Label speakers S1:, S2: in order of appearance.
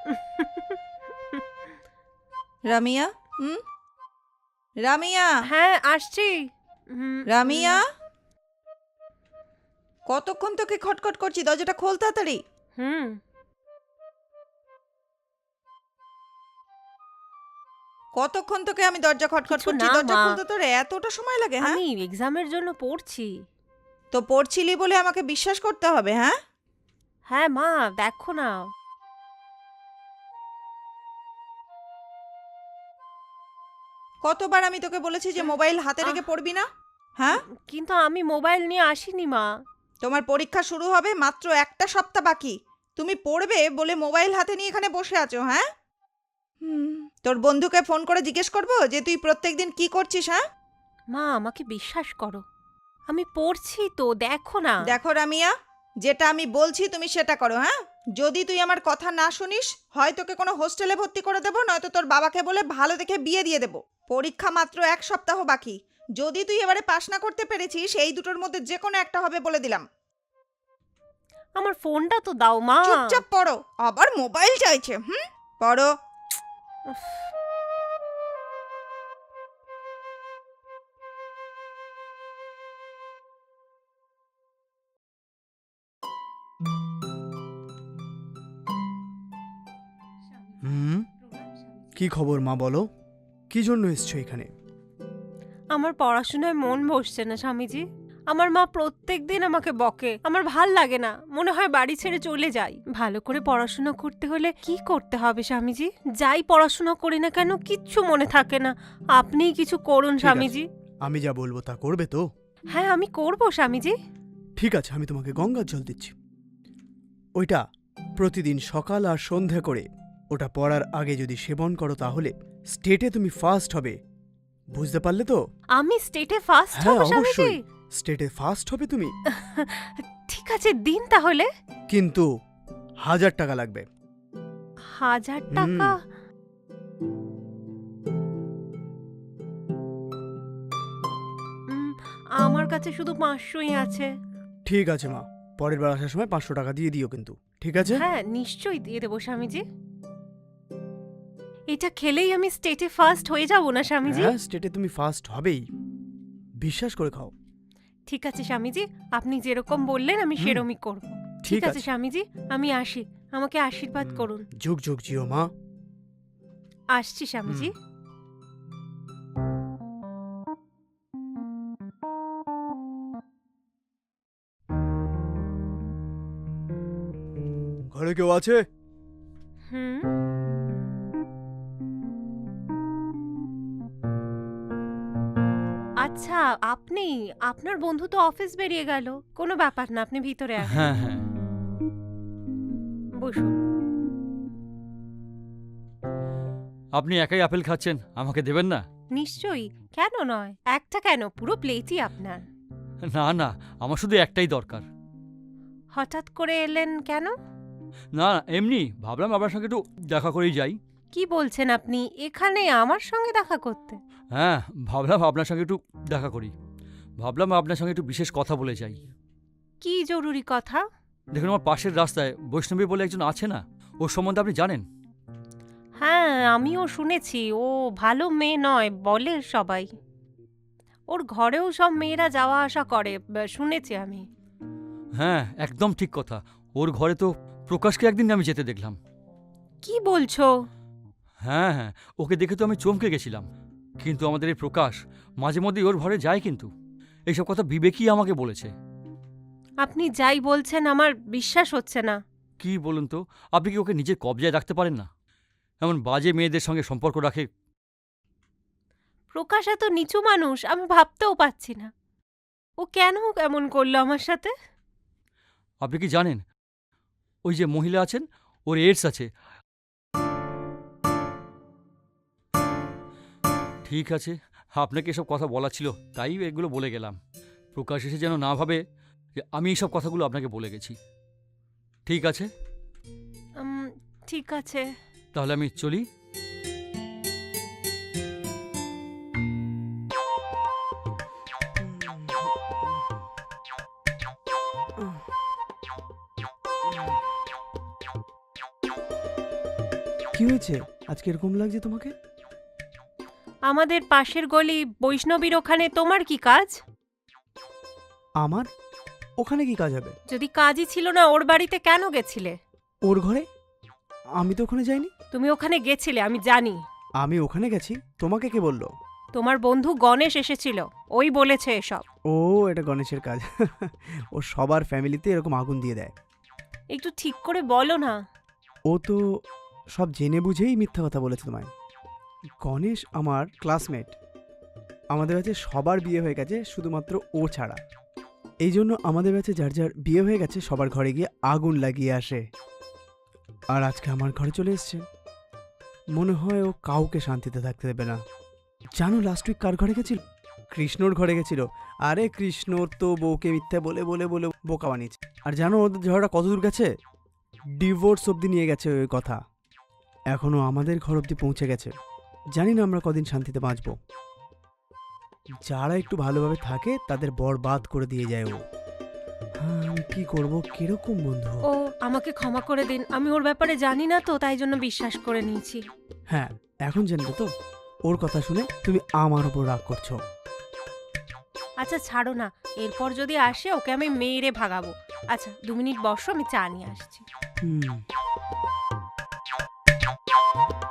S1: রামিয়া, রামিয়া,
S2: হ্যাঁ আসছি।
S1: রামিয়া, কতক্ষণ তোকে খটখট করছি, দরজাটা খোল তাড়াতাড়ি।
S2: হুম
S1: কতক্ষণ তোকে আমি দরজা খটখট
S2: কিছু
S1: করছি,
S2: না
S1: দরজা
S2: মা,
S1: খুলতে তোর এতটা সময় লাগে? হ্যাঁ,
S2: আমি এক্সামের জন্য পড়ছি।
S1: তো পড়ছিলি বলে আমাকে বিশ্বাস করতে হবে? হ্যাঁ,
S2: হ্যাঁ মা, দেখো না।
S1: কতবার আমি তোকে বলেছি যে মোবাইল হাতে
S2: আহ,
S1: রেখে পড়বি না? হ্যাঁ,
S2: কিন্তু আমি মোবাইল নিয়ে আসিনি মা।
S1: তোমার পরীক্ষা শুরু হবে, মাত্র একটা সপ্তাহ বাকি। তুমি পড়বে বলে মোবাইল হাতে নিয়ে এখানে বসে আছো? হ্যাঁ, তোর বন্ধুকে ফোন করে জিজ্ঞেস করবো যে তুই প্রত্যেকদিন কি করছিস? হ্যাঁ,
S2: মা আমাকে বিশ্বাস করো, আমি পড়ছি তো, দেখো না।
S1: দেখো রামিয়া, যেটা আমি বলছি তুমি সেটা করো। হ্যাঁ, যদি তুই আমার কথা না শুনিস, হয় তোকে কোনো হোস্টেলে ভর্তি করে দেবো, নয়তো তোর বাবাকে বলে ভালো দেখে বিয়ে দিয়ে দেবো। পরীক্ষা মাত্র এক সপ্তাহ বাকি। যদি তুই এবারে পাশ না করতে পেরেছিস, এই দুটোর মধ্যে যে কোনো একটা হবে বলে দিলাম।
S2: আমার ফোনটা তো দাও মা।
S1: চুপচাপ পড়ো, আবার মোবাইল চাইছে। পড়ো।
S2: উফ,
S3: হুম, কি খবর মা, বলো। কি জন্য এসছো এখানে?
S2: আমার পড়াশোনায় মন বসছে না স্বামীজি। আমার মা প্রত্যেকদিন আমাকে বকে, আমার ভাল লাগে না, মনে হয় বাড়ি ছেড়ে চলে যাই। ভালো করে পড়াশোনা করতে হলে কি করতে হবে স্বামীজি? যাই পড়াশোনা করি না কেন কিচ্ছু মনে থাকে না। আপনিই কিছু করুন
S3: ঠিক আছে,
S2: স্বামীজি।
S3: আমি যা বলবো তা করবে তো?
S2: হ্যাঁ আমি করব স্বামীজি।
S3: ঠিক আছে, আমি তোমাকে গঙ্গার জল দিচ্ছি। ওইটা প্রতিদিন সকাল আর সন্ধ্যা করে ওটা পড়ার আগে যদি সেবন করো তাহলে স্টেটে তুমি ফার্স্ট হবে। বুঝতে পারলে তো?
S2: আমি স্টেটে ফার্স্ট
S3: হ্যাঁ
S2: হব স্বামীজি?
S3: অবশ্যই, স্টেটে ফার্স্ট হবে তুমি।
S2: ঠিক আছে দিন তাহলে।
S3: কিন্তু 1000 টাকা লাগবে।
S2: 1000 টাকা? উম, আমার কাছে শুধু 500ই আছে।
S3: ঠিক আছে মা, পরের বার আসার সময় 500 টাকা দিয়ে দিও কিন্তু, ঠিক আছে?
S2: হ্যাঁ নিশ্চয়ই দিয়ে দেবো স্বামীজি। এটা খেলেই আমি স্টেটে ফার্স্ট হয়ে যাব না স্বামীজি?
S3: হ্যাঁ, স্টেটে তুমি ফার্স্ট হবেই, বিশ্বাস করে খাও।
S2: ঠিক আছে স্বামীজি, আপনি যেরকম বললেন আমি সেরকমই করব। ঠিক আছে স্বামীজি, আমি আসি, আমাকে আশীর্বাদ করুন।
S3: যুগ যুগ জিও মা।
S2: আসছি স্বামীজি।
S3: ঘরে কেউ আছে?
S2: হুম, আচ্ছা আপনি, আপনার বন্ধু তো অফিস বেরিয়ে গেল, কোনো ব্যাপার না, আপনি ভিতরে আসুন।
S4: হ্যাঁ হ্যাঁ,
S2: বসুন।
S4: আপনি একাই আপেল খাচ্ছেন, আমাকে দেবেন না?
S2: নিশ্চয়ই, কেন নয়, একটা কেন, পুরো প্লেটই আপনার।
S4: না না, আমার শুধু একটাই দরকার।
S2: হঠাৎ করে এলেন কেন?
S4: না এমনি ভাবলাম আপনার সঙ্গে একটু দেখা করেই যাই।
S2: কি বলছেন আপনি, এখানে আমার সঙ্গে দেখা করতে?
S4: হ্যাঁ, ভাবলাম আপনার সঙ্গে একটু দেখা করি, ভাবলাম আপনার সঙ্গে একটু বিশেষ কথা বলে যাই।
S2: কি জরুরি কথা?
S4: দেখুন, আমার পাশের রাস্তায় বৈষ্ণবী বলে একজন আছে না, ওর সম্বন্ধে আপনি জানেন?
S2: হ্যাঁ আমিও শুনেছি, ও ভালো মেয়ে নয় বলে সবাই। ওর ঘরেও সব মেয়েরা যাওয়া আসা করে, শুনেছি আমি।
S4: হ্যাঁ একদম ঠিক কথা, ওর ঘরে তো প্রকাশকে একদিন আমি যেতে দেখলাম।
S2: কি বলছো?
S4: হ্যাঁ হ্যাঁ, ওকে দেখে তো আমি চমকে গেছিলাম। কিন্তু আমাদের এই প্রকাশ মাঝে মধ্যেই ওর ঘরে যায়, কিন্তু এইসব কথা বিবেকই আমাকে বলেছে।
S2: আপনি যাই বলছেন আমার বিশ্বাস হচ্ছে না।
S4: কি বলুন তো, আপনি কি ওকে নিজের কবজায় রাখতে পারেন না? এমন বাজে মেয়েদের সঙ্গে সম্পর্ক রাখে।
S2: প্রকাশ এত নিচু মানুষ আমি ভাবতেও পাচ্ছি না। ও কেন এমন করলো আমার সাথে?
S4: আপনি কি জানেন, ওই যে মহিলা আছেন, ওর এইডস আছে। ঠিক আছে, আপনাকে এসব কথা বলা ছিল, তাই এগুলো বলে গেলাম। প্রকাশ এসে যেন না ভাবে যে আমি এইসব কথাগুলো আপনাকে বলে গেছি। ঠিক আছে,
S2: ঠিক আছে।
S4: তাহলে আমি চলি।
S3: কি হয়েছে আজকে এরকম লাগছে তোমাকে?
S2: আমাদের পাশের গলি বৈষ্ণবীর ওখানে তোমার কি কাজ?
S3: আমার ওখানে কি কাজ হবে?
S2: যদি কাজই ছিল না ওর বাড়িতে কেন গেছিলে?
S3: ওর ঘরে? আমি তো ওখানে যাইনি।
S2: তুমি ওখানে গেছিলে আমি জানি।
S3: আমি ওখানে গেছি, তোমাকে কে বললো?
S2: তোমার বন্ধু গণেশ এসেছিল, ওই বলেছে এসব।
S3: ও, এটা গণেশের কাজ। ও সবার ফ্যামিলিতে এরকম আগুন দিয়ে দেয়।
S2: একটু ঠিক করে বলো না।
S3: ও তো সব জেনে বুঝেই মিথ্যা কথা বলেছে তোমায়। গণেশ আমার ক্লাসমেট। আমাদের ব্যাচে সবার বিয়ে হয়ে গেছে, শুধুমাত্র ও ছাড়া। এই জন্য আমাদের ব্যাচে যার যার বিয়ে হয়ে গেছে সবার ঘরে গিয়ে আগুন লাগিয়ে আসে। আর আজকে আমার ঘরে চলে এসছে। মনে হয় ও কাউকে শান্তিতে থাকতে দেবে না। জানো লাস্ট উইক কার ঘরে গেছিল? কৃষ্ণর ঘরে গেছিল। আরে কৃষ্ণর তো বউকে মিথ্যা বলে বলে বলে বোকা বানিয়েছে। আর জানো ওদের ঝগড়া কত দূর গেছে? ডিভোর্স অবধি নিয়ে গেছে ওই কথা। এখনো আমাদের ঘর অবধি পৌঁছে গেছে। জানি না আমরা কদিন শান্তিতে বাঁচব। যারা একটু ভালোভাবে থাকে তাদের বরবাদ করে দিয়ে যায় ও। হ্যাঁ, আমি কি করব? কিরকম বন্ধু?
S2: ও আমাকে ক্ষমা করে দিন, আমি ওর ব্যাপারে জানি না তো, তাই জন্য বিশ্বাস করে নিয়েছি।
S3: হ্যাঁ, এখন জানলে তো। ওর কথা শুনে তুমি আমার উপর রাগ করছো।
S2: আচ্ছা ছাড়ো না, এরপর যদি আসে ওকে আমি মেরে ভাগাবো। আচ্ছা 2 মিনিট বসো, আমি চা নিয়ে আসছি।
S3: হুম।